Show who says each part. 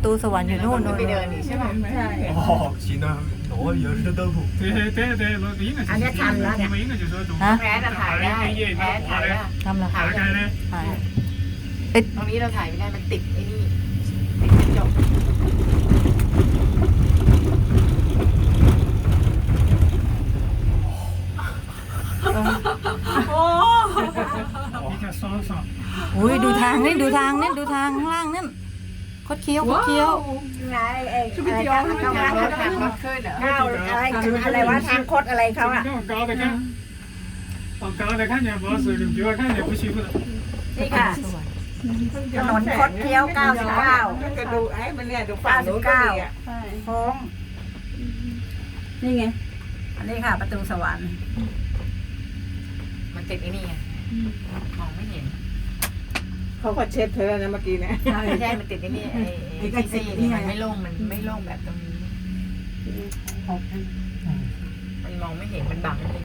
Speaker 1: ตูสวรรค์อยู่นู่น
Speaker 2: ไปเดินนี่ใช่ไหม
Speaker 3: ใช่
Speaker 4: 哦，行啊，我有时都不。
Speaker 5: 对，应该就是我们应该就说从
Speaker 1: ฮะ
Speaker 2: แพ้จะถ่ายได้แพ้ถ่ายได้
Speaker 1: ทำอะไร
Speaker 5: 打开呢，
Speaker 1: ถ่าย
Speaker 2: ตรงนี้เราถ่ายไม่ได้มันติดไอ้นี่ติดกระจก
Speaker 5: 你看爽不爽？
Speaker 1: อุ้ยดูทางนี่ดูทางนี่ดูทางข้างล่างนั่นคดเคี้ยวคดเคี้ยว
Speaker 3: ไงไอ้อะไร
Speaker 2: ทางรถทางรถขึ้นเหรอ
Speaker 3: ก้าวอะไรวะทางคดอะไรเขาอะ
Speaker 5: 往高的看，往高的看见不是，你比我看见不欺负的。
Speaker 3: นี่ค่ะ
Speaker 1: สวรรค์
Speaker 3: ถนนคดเคี้ยว99
Speaker 6: ก็ดูไอ้มันเนี่ยดูฝั่งนู้นก็ดีอ่ะ
Speaker 3: โค้งนี่ไง อันนี้ค่ะ ประตูสวรรค์
Speaker 2: มันติดไอ้นี่ไงมองไม่เห็น
Speaker 6: เขาก็เช็ดเธอนะเมื่อกี้นะ
Speaker 2: ไม่ใช่มันติดไอ้นี่ไอ้ที่ซี่นี่มันไม่โล่งมันไม่โล่งแบบตรงนี้มันมองไม่เห็นมันบัง